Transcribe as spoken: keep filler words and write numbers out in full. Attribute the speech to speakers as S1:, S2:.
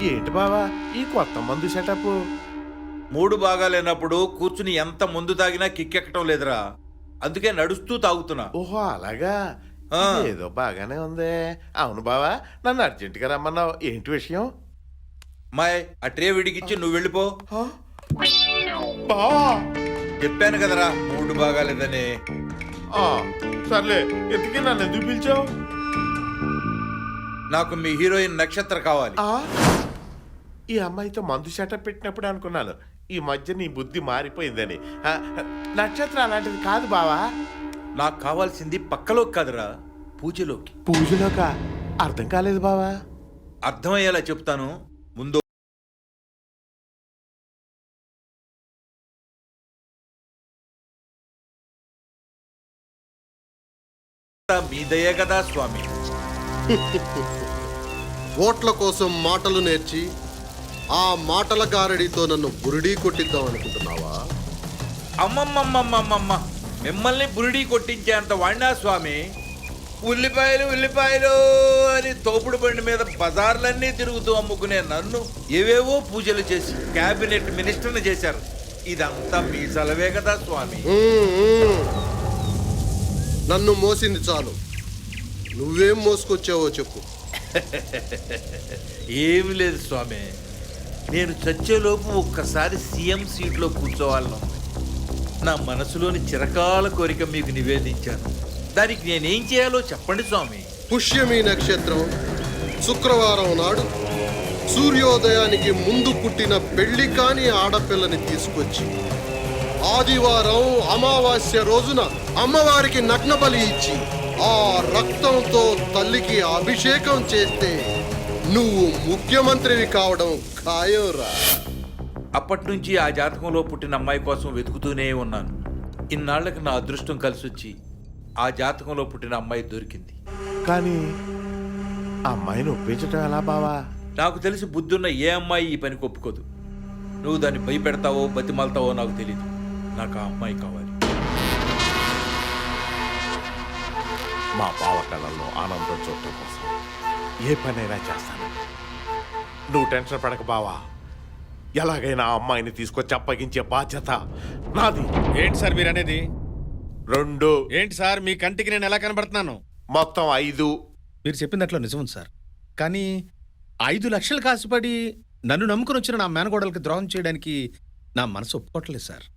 S1: ఏంటి బావా ఈ కొత్త మందు సెటప్?
S2: మూడు భాగాలైనప్పుడు కూర్చుని ఎంత ముందు తాగినా కిక్కెక్కటం లేదురా. అందుకే నడుస్తూ తాగుతున్నా.
S1: ఓహో అలాగా.
S2: ఆ.
S1: ఏదో బాగానే ఉంది. అవును బావా, నన్ను అర్జెంటుగా రమ్మన్నావు, ఏంటి విషయం?
S2: మాయ్ ఆ ట్రే విడిగిచ్చి నువ్వు వెళ్ళిపో.
S1: హ? బావా
S2: చెప్పాను కదరా మూడు భాగాలేదని.
S1: ఆ, సర్లే, ఎందుకే నన్ను ఎందుకు పిలిచావు?
S2: నాకు మీ హీరోయిన్ నక్షత్ర కావాలి.
S1: ఆ, ఈ అమ్మాయితో మందు సెటప్ పెట్టినప్పుడు అనుకున్నాను ఈ మధ్య నీ బుద్ధి మారిపోయిందని. ఆ, నక్షత్రం అలాంటిది కాదు బావా.
S2: నాకు కావాల్సింది పక్కలోకి కాదురా, పూజలోకి.
S1: పూజలోకా? అర్థం కాలేదు బావా.
S2: అర్థమయ్యేలా చెప్తాను. ముందు మీ దయే కదా స్వామి.
S3: ఓట్ల కోసం మాటలు నేర్చి ఆ మాటల గారడితో నన్ను బురిడీ కొట్టిద్దాం అనుకుంటున్నావా?
S2: అమ్మమ్మమ్మమ్మమ్మ, మిమ్మల్ని బురిడీ కొట్టించేంత వాడినా స్వామి? ఉల్లిపాయలు ఉల్లిపాయలు అని తోపుడు బండి మీద బజార్లన్నీ తిరుగుతూ అమ్ముకునే నన్ను ఏవేవో పూజలు చేసి క్యాబినెట్ మినిస్టర్ని చేశారు. ఇదంతా మీ సెలవే కదా స్వామి.
S3: మ్మ్, మ్మ్. నన్ను మోసింది చాలు, నువ్వేం మోసుకొచ్చావో చెప్పు.
S2: ఏమి లేదు స్వామి, నేను చచ్చేలోపు ఒక్కసారి సీఎం సీట్లో కూర్చోవాలను నా మనసులోని చిరకాల కోరిక మీకు నివేదించాను. దానికి నేనేం చేయాలో చెప్పండి స్వామి.
S3: పుష్యమి నక్షత్రం శుక్రవారం నాడు సూర్యోదయానికి ముందు పుట్టిన పెళ్లి కాని ఆడపిల్లని తీసుకొచ్చి ఆదివారం అమావాస్య రోజున అమ్మవారికి నగ్న బలి ఇచ్చి ఆ రక్తంతో తల్లికి అభిషేకం చేస్తే నువ్వు ముఖ్యమంత్రివి కావడం ఖాయంరా.
S2: అప్పటి నుంచి ఆ జాతకంలో పుట్టిన అమ్మాయి కోసం వెతుకుతూనే ఉన్నాను. ఇన్నాళ్లకు నా అదృష్టం కలిసి వచ్చి ఆ జాతకంలో పుట్టిన అమ్మాయి దొరికింది.
S1: కానీ ఆ అమ్మాయిని ఒప్పించటం ఎలా బావా?
S2: నాకు తెలిసి బుద్ధున్న ఏ అమ్మాయి ఈ పనికి ఒప్పుకోదు. నువ్వు దాన్ని భయపెడతావో బతిమాలతావో నాకు తెలీదు. నాకు ఆ అమ్మాయి కావాలి.
S1: మా బావ కళల్లో ఆనందం చూడటం కోసం ఏ పనైనా చేస్తాను. నువ్వు టెన్షన్ పడక బావా. ఎలాగైనా ఆ అమ్మాయిని తీసుకొచ్చి అప్పగించే బాధ్యత నాది.
S4: ఏంటి సార్ మీరు అనేది?
S1: రెండు.
S4: ఏంటి సార్ మీ కంటికి నేను ఎలా కనబడుతున్నాను?
S1: మొత్తం ఐదు.
S4: మీరు చెప్పినట్లు నిజం సార్, కానీ ఐదు లక్షలు కాసుపడి నన్ను నమ్ముకుని వచ్చిన నా మేనగోడలకి ద్రోహం చేయడానికి నా మనసు ఒప్పుకోవట్లేదు సార్.